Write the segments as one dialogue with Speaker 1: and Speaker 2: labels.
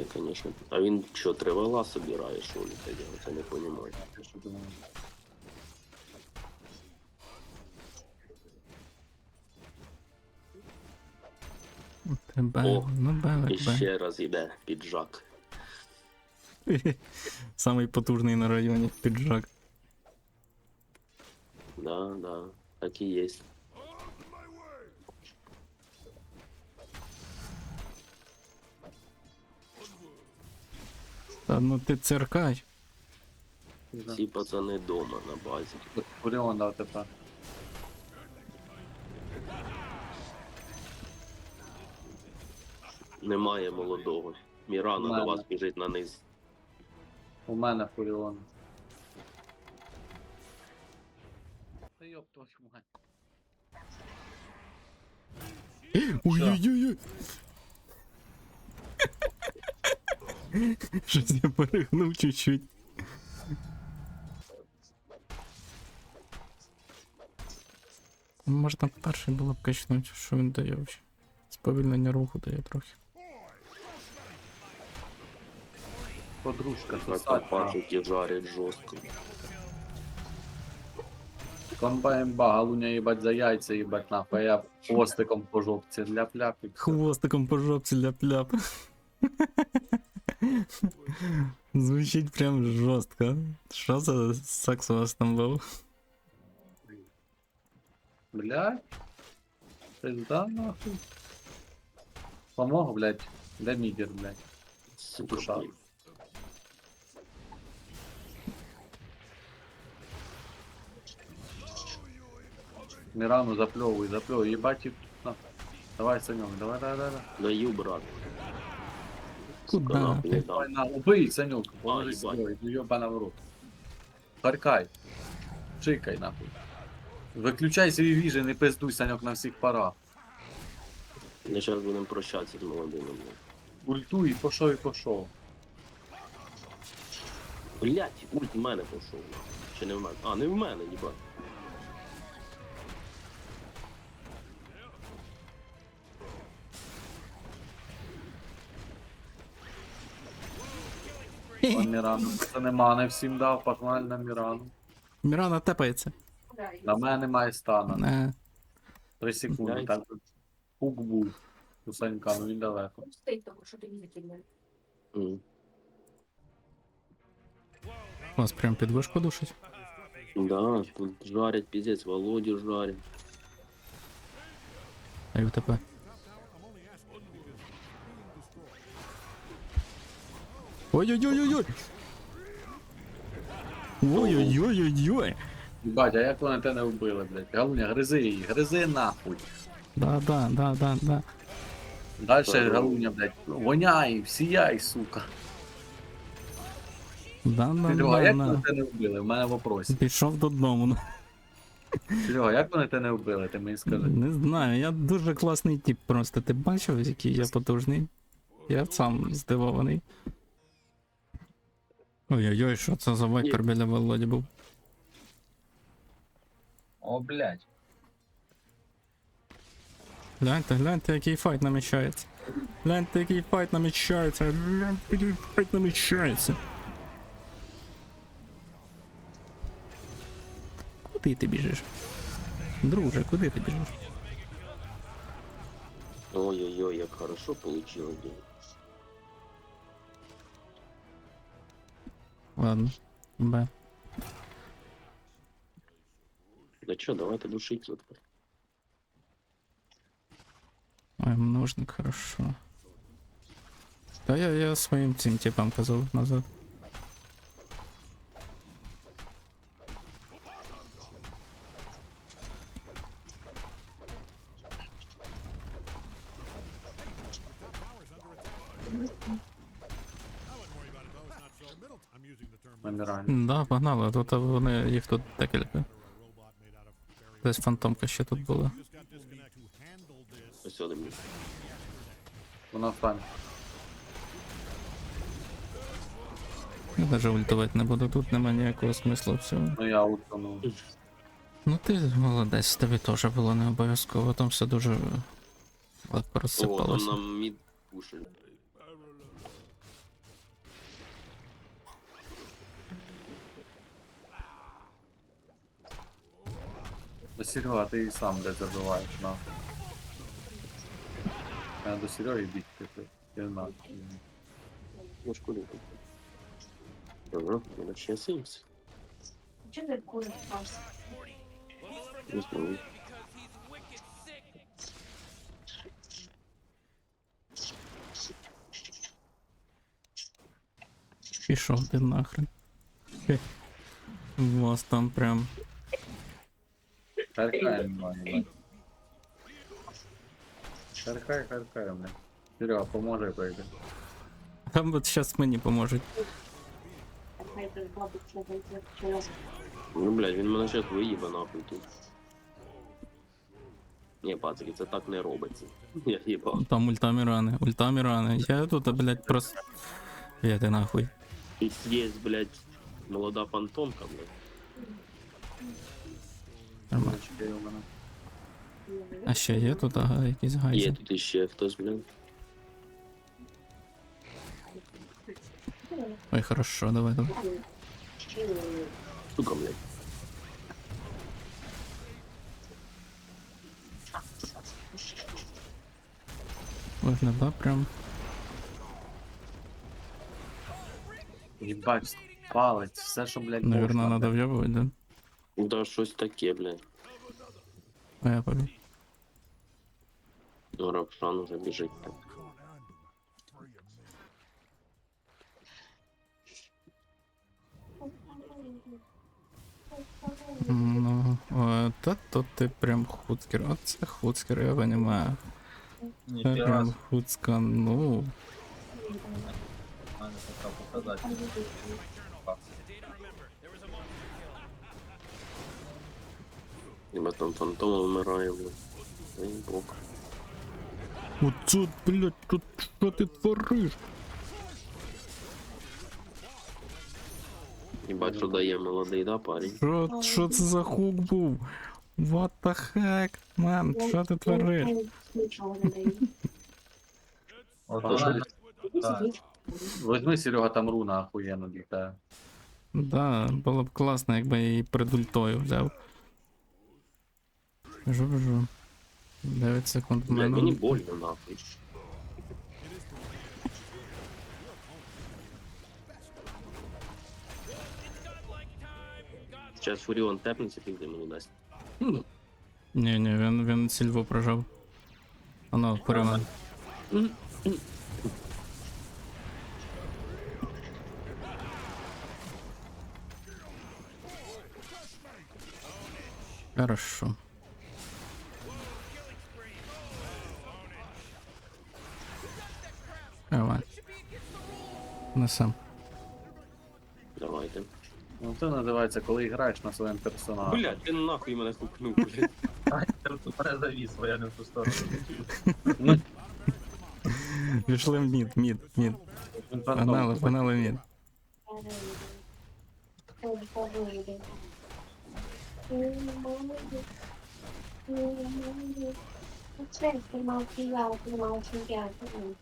Speaker 1: конечно. А він що, тривала собирає, що ли, тоді? Це не розумію.
Speaker 2: Я що думаю.
Speaker 1: О,
Speaker 3: Ну,
Speaker 1: І
Speaker 3: белик, белик.
Speaker 1: ще раз іде піджак.
Speaker 3: Самий потужний на районі піджак.
Speaker 1: Да, да, так і є.
Speaker 3: Та ну ти циркач.
Speaker 2: Да.
Speaker 1: Всі пацани дома на базі.
Speaker 2: Фуріон дав тепер.
Speaker 1: Немає молодого. Мірана до
Speaker 2: Немає.
Speaker 1: вас біжить на низ.
Speaker 2: У мене Фуріон. Та йоп твою мать.
Speaker 3: Ой-ой-ой. Щось я перегнув чуть-чуть. Можна перший було б качнути, що він дає взагалі. Сповільнення руху дає трохи.
Speaker 2: Подружка,
Speaker 1: Так
Speaker 2: сосать.
Speaker 1: пачуть і жарять жорстко.
Speaker 2: Комбаймба, галуня їбать за яйця, їбать нахуй, а я хвостиком по жопці ляп-ляп і все.
Speaker 3: Хвостиком по жопці ляп-ляп. Звучить прям жорстко. Що за секс у вас там був?
Speaker 2: Блядь. Пизда нахуй. Помог, блядь. Де мідер, блядь.
Speaker 1: Сука,
Speaker 2: Душа.
Speaker 1: блін.
Speaker 2: Мирану запльовуй, їбать і... на. Давай, Саньок, давай.
Speaker 1: Даю, брат.
Speaker 3: Куда
Speaker 1: Канапу
Speaker 3: ти?
Speaker 1: не
Speaker 2: Давай
Speaker 1: дам.
Speaker 2: на, убий, Санюк, положи
Speaker 1: їбать.
Speaker 2: строй, ну ёбана в рот. Харкай. Чикай, нахуй. Виключай свій віжен, не пиздуй, Саньок, на всіх парах.
Speaker 1: Ми зараз будемо прощатися з молодими. блін.
Speaker 2: Ультуй, і пошов.
Speaker 1: Блять, ульт в мене пішов. Чи не в мене? А, не в мене, їбать.
Speaker 2: Пан Мірану, це нема, не всім дав, погнали на Мірану.
Speaker 3: Мірана тепається.
Speaker 2: На мене немає стана.
Speaker 3: Не.
Speaker 2: 3 секунди,
Speaker 1: Блядь.
Speaker 2: так пук був. У Санька, ну він далеко.
Speaker 4: Стоїть того, що ти не закидали.
Speaker 1: М.
Speaker 3: Вас прям під вишку душить.
Speaker 1: Да, тут жарять, піздець, Володю жарять.
Speaker 3: А й у тебе. Ой-ой-ой-ой-ой! Ой-ой-ой-ой-ой!
Speaker 2: Бать, а як вони тебе не вбили, блядь? Галуня, гризи її, гризи нахуй.
Speaker 3: Да.
Speaker 2: Дальше
Speaker 1: Здорово.
Speaker 2: Галуня, блядь, воняй, всіяй, сука. Серега, як вони
Speaker 3: Да.
Speaker 2: тебе не вбили? У мене вопрос.
Speaker 3: Пішов додому.
Speaker 2: Серега, як вони тебе не вбили, ти мені скажи.
Speaker 3: Не знаю, я дуже класний тип просто. Ти бачив, який я потужний? Я сам здивований. Ой-ой-ой, що це за вайпер біля Володі був?
Speaker 2: О, блядь.
Speaker 3: Гляньте, який файт намічається. Гляньте, який файт намічається. Гляньте, який файт намічається. Куди ти біжиш? Друже, куди ти біжиш?
Speaker 1: Ой-ой-ой, як хорошо получилось, блін.
Speaker 3: Ладно. Б.
Speaker 1: Да чо, давайте душить тут.
Speaker 3: Ой, множник, хорошо. Та я своїм цим типам казав назад.
Speaker 2: На Мірані.
Speaker 3: Да, погнали, а тут вони, їх тут декілька. Десь фантомка ще тут була.
Speaker 1: Ось один.
Speaker 2: Вона встане.
Speaker 3: Я навіть ультувати не буду, тут нема ніякого смислу всього.
Speaker 2: Ну я утонув.
Speaker 3: Ну ти молодець, тобі теж було не обов'язково, там все дуже легко
Speaker 1: О, там
Speaker 3: розсипалося.
Speaker 1: нам мід пушить.
Speaker 2: Ну, Серега, ти і сам де забиваєш, нахуй. Я до Сереги бігти, ти нахуй.
Speaker 1: Ну, шкурі. Ага, мене ще 70.
Speaker 4: Чого ти куриш просто?
Speaker 1: Не знаю.
Speaker 3: Пішов ти нахрен. Хе. У вас там прям.
Speaker 2: Харкай немає, блядь. Харкай, блядь. Серега, поможи пройти.
Speaker 3: Там от щас мені поможуть.
Speaker 4: Хай ти бабу чого через.
Speaker 1: Ну, блядь, він мене щас виїбе нахуй тут. Ні, пацики, це так не робиться. Я їбав.
Speaker 3: Там ультамі рани. Я тут, блядь, просто. Я ти нахуй.
Speaker 1: Тут є, блядь, молода фантомка, блядь.
Speaker 3: Нормально.
Speaker 2: Мальчики у мене.
Speaker 3: А ще є тут, ага, якісь
Speaker 1: Є
Speaker 3: гайзи.
Speaker 1: тут іще хтось, блядь.
Speaker 3: Ой, хорошо, давай.
Speaker 1: Сука, блядь.
Speaker 3: Виглядає прям.
Speaker 2: Їбать, палець, все, що, блядь,
Speaker 3: Наверно,
Speaker 2: можна,
Speaker 3: надо
Speaker 2: блядь.
Speaker 3: в'єбувати, да?
Speaker 1: Да, щось таке, блядь.
Speaker 3: А я побіг.
Speaker 1: Ну, Равшан уже біжить так.
Speaker 3: Ну, та то ти прям хуцкер. Оце хуцкер, я понимаю. Це прям хуцканув.
Speaker 1: Ніби там фантом вмирає, блядь. Та й бок.
Speaker 3: Оце, блядь, тут що ти твориш?
Speaker 1: Їбать, що дає молодий, да, парень?
Speaker 3: Що це за хук був? What the heck, man, що ти твориш?
Speaker 4: Нічого не даю.
Speaker 1: Та що ти?
Speaker 2: Возьми, Серега, там руна охуєнно літає.
Speaker 3: Да, було б класно, якби я її перед ультою взяв. Біжу. 9 секунд в
Speaker 1: Блядь, мені
Speaker 3: мене.
Speaker 1: больно, нахуй. Зараз Фуріон тепнеться, пізде мені дасть.
Speaker 3: Ні, він сільву прожав. Оно, перемен. Хорошо. Давай. Несем.
Speaker 1: Давайте.
Speaker 2: Ну це називається, коли граєш на своєму персонажі.
Speaker 1: Блядь, ти нахуй мене хукнув, блядь.
Speaker 5: Завис, бо я не в ту сторону.
Speaker 3: Пішли в мід.
Speaker 2: Він фантом.
Speaker 3: Панали мід.
Speaker 4: Це тримав чемпіонат,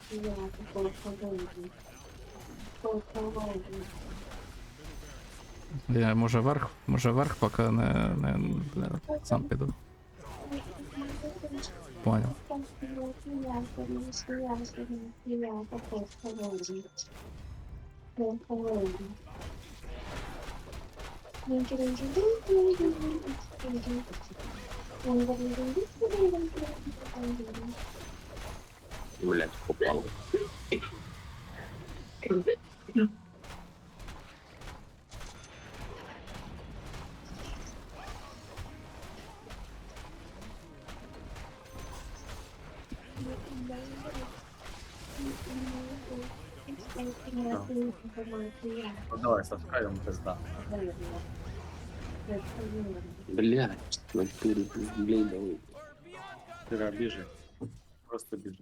Speaker 3: Я може верх, поки не бля, сам піду. Понял.
Speaker 1: Блядь, попав.
Speaker 2: Ну, давай, Сашка, йому пизда.
Speaker 1: Блядь, натурі, блядь, давай.
Speaker 2: Серега, біжи. Просто біжи.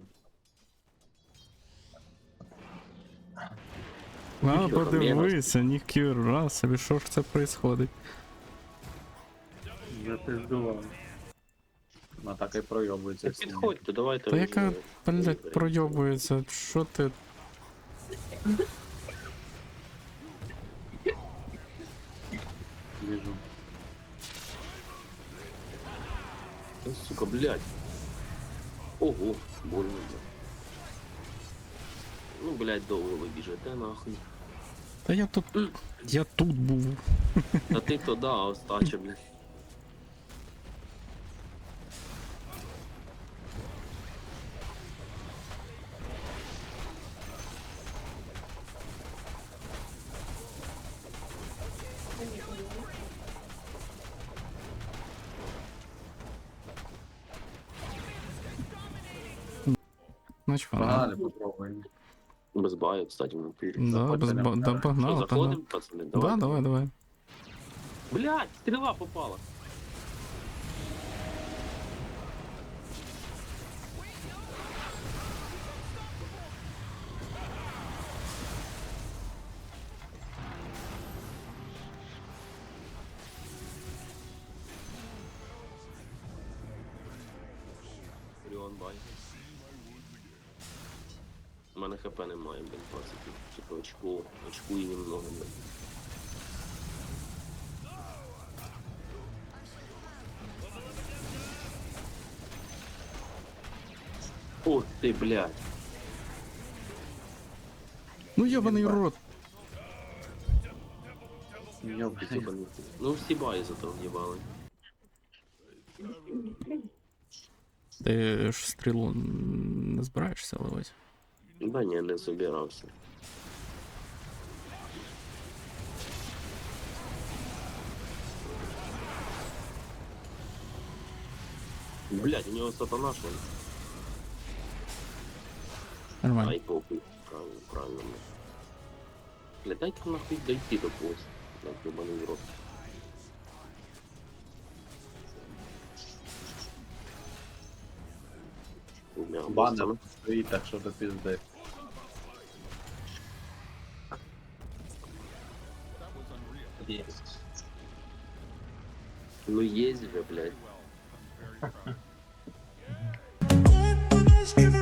Speaker 3: А, подивися, ніхера собі, що ж це происходить?
Speaker 2: Запиздував. Ну так і пройобується
Speaker 1: Та
Speaker 2: всі.
Speaker 1: підходьте, давайте.
Speaker 3: Та
Speaker 1: вже
Speaker 3: яка, блядь,
Speaker 1: виберемо.
Speaker 3: пройобується, що ти?
Speaker 2: Біжу.
Speaker 1: Да, сука, блядь. Ого, больно, блядь. Ну, блядь, довго ви біжите, нахуй.
Speaker 3: Та я тут був.
Speaker 1: Та ти то да, а остача, блядь.
Speaker 3: Значить, вона.
Speaker 2: Погнали, попробуємо.
Speaker 1: Без баю, кстати, в натурі.
Speaker 3: Да, без
Speaker 2: Заходьте,
Speaker 3: да,
Speaker 2: не
Speaker 1: Що,
Speaker 3: погнали,
Speaker 1: заходимо,
Speaker 3: погнали.
Speaker 1: пацани?
Speaker 3: Да, давай.
Speaker 1: Блядь, стріла попала. Оріон бай. У мене хп немає, блін, пацики. Типу очку і немного, блін. Ох ти, блядь.
Speaker 3: Ну йобаний рот.
Speaker 2: Йобаний.
Speaker 1: Ебаний. Ну всі баї зато в'їбали.
Speaker 3: Ти ж стрілу не збираєшся ливати?
Speaker 1: Да ні, не собирався. Блядь, у нього сатана що ли?
Speaker 3: Нормально.
Speaker 1: Ай, похуй. Правильно, правильно. Блядь, дайте нахуй дойти до когось. Блядь, ебаний в рот.
Speaker 2: Банер стоїть, так що до пізди.
Speaker 5: Есть.
Speaker 1: Ну есть же, блядь.
Speaker 6: Driven